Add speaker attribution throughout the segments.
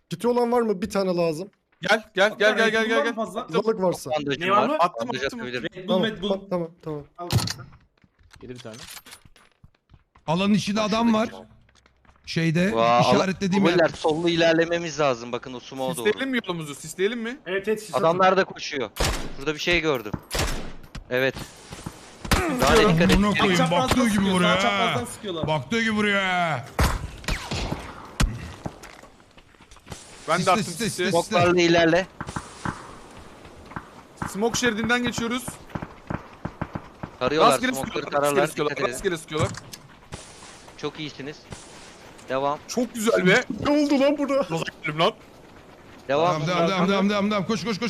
Speaker 1: Kiti olan var mı? Bir tane lazım.
Speaker 2: Gel.
Speaker 3: Fazla.
Speaker 1: Fazlalık varsa.
Speaker 4: Bandajım
Speaker 3: Ne var mı?
Speaker 2: Attım,
Speaker 4: Bandaj
Speaker 2: attım.
Speaker 4: atabilirim.
Speaker 3: Red Bull,
Speaker 1: Tamam,
Speaker 3: Red Bull.
Speaker 1: tamam.
Speaker 3: Al.
Speaker 5: Yedi bir tane.
Speaker 6: Alanın içinde adam var. Şeyde
Speaker 4: Vaa,
Speaker 6: işaretlediğim
Speaker 4: Beyler
Speaker 6: yer.
Speaker 4: sollu ilerlememiz lazım. Bakın o sumo doğru.
Speaker 2: Sisleyelim mi yolumuzu? Sisleyelim mi?
Speaker 3: Evet sis
Speaker 4: Adamlar da koşuyor. Burada bir şey gördüm. Evet. Daha ne dikkat
Speaker 6: Bunu
Speaker 4: et.
Speaker 6: koyayım. Baktığı gibi vuruyor
Speaker 3: Sağ çaprazdan
Speaker 6: ha.
Speaker 3: sıkıyorlar.
Speaker 6: Baktığı gibi vuruyor ha.
Speaker 2: Ben
Speaker 6: Sisle,
Speaker 2: de attım
Speaker 6: sisle,
Speaker 2: sisi.
Speaker 6: sisle.
Speaker 4: Boklarla ilerle.
Speaker 2: Smoke şeridinden geçiyoruz.
Speaker 4: Tarıyorlar.
Speaker 2: Rastgele
Speaker 4: Smoke'ları
Speaker 2: sıkıyorlar.
Speaker 4: tararlar.
Speaker 2: Rastgele
Speaker 4: Dikkat
Speaker 2: sıkıyorlar.
Speaker 4: edin.
Speaker 2: Rastgele sıkıyorlar.
Speaker 4: Çok iyisiniz. Devam.
Speaker 2: Çok güzel be.
Speaker 1: Ne oldu lan burada?
Speaker 2: Nasıl gittim lan?
Speaker 4: Devam.
Speaker 6: Devam. Koş. Koş.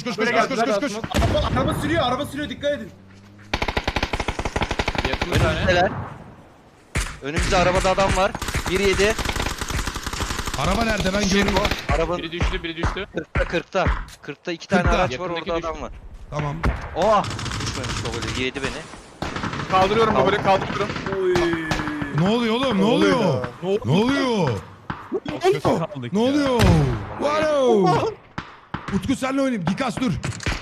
Speaker 3: Araba sürüyor dikkat edin.
Speaker 5: Yakın bir tane.
Speaker 4: Önümüzdeler. Önümüzde arabada adam var. 1-7.
Speaker 6: Araba nerede ben görüyorum.
Speaker 4: Arabanın
Speaker 5: Biri düştü, biri düştü.
Speaker 4: 40'ta. 40'ta 2 tane
Speaker 6: 40'ta.
Speaker 4: araç var,
Speaker 5: Yakındaki
Speaker 4: orada adam var.
Speaker 6: Tamam.
Speaker 4: Oh! Düşmemiş babacı, yedi beni.
Speaker 2: Kaldırıyorum babayı, kaldırıyorum.
Speaker 3: Oy.
Speaker 6: Ne oluyor oğlum? Ne oluyor? Ne oluyor?
Speaker 5: Kaldık
Speaker 6: Ne oluyor? Wow! Utku senle oynayayım. Gikas dur.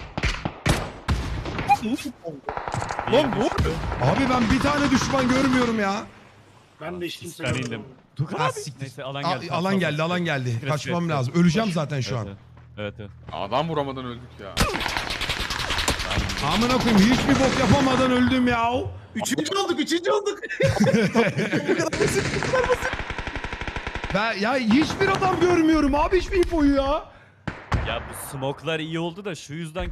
Speaker 2: Lan ne oldu?
Speaker 6: Abi ben bir tane düşman görmüyorum ya.
Speaker 3: Ben de içtim
Speaker 5: Ben indim.
Speaker 6: Ha, siktir.
Speaker 5: Neyse alan geldi.
Speaker 6: Alan geldi.
Speaker 5: Evet,
Speaker 6: Kaçmam
Speaker 5: evet,
Speaker 6: lazım.
Speaker 5: evet.
Speaker 6: Öleceğim zaten şu an.
Speaker 5: Evet.
Speaker 2: Adam vuramadan öldük ya.
Speaker 6: Amına koyayım hiçbir bok yapamadan öldüm ya.
Speaker 3: Üçüncü olduk.
Speaker 6: Ben ya hiçbir adam görmüyorum abi hiçbir infoyu ya.
Speaker 5: Ya bu smoke'lar iyi oldu da şu yüzden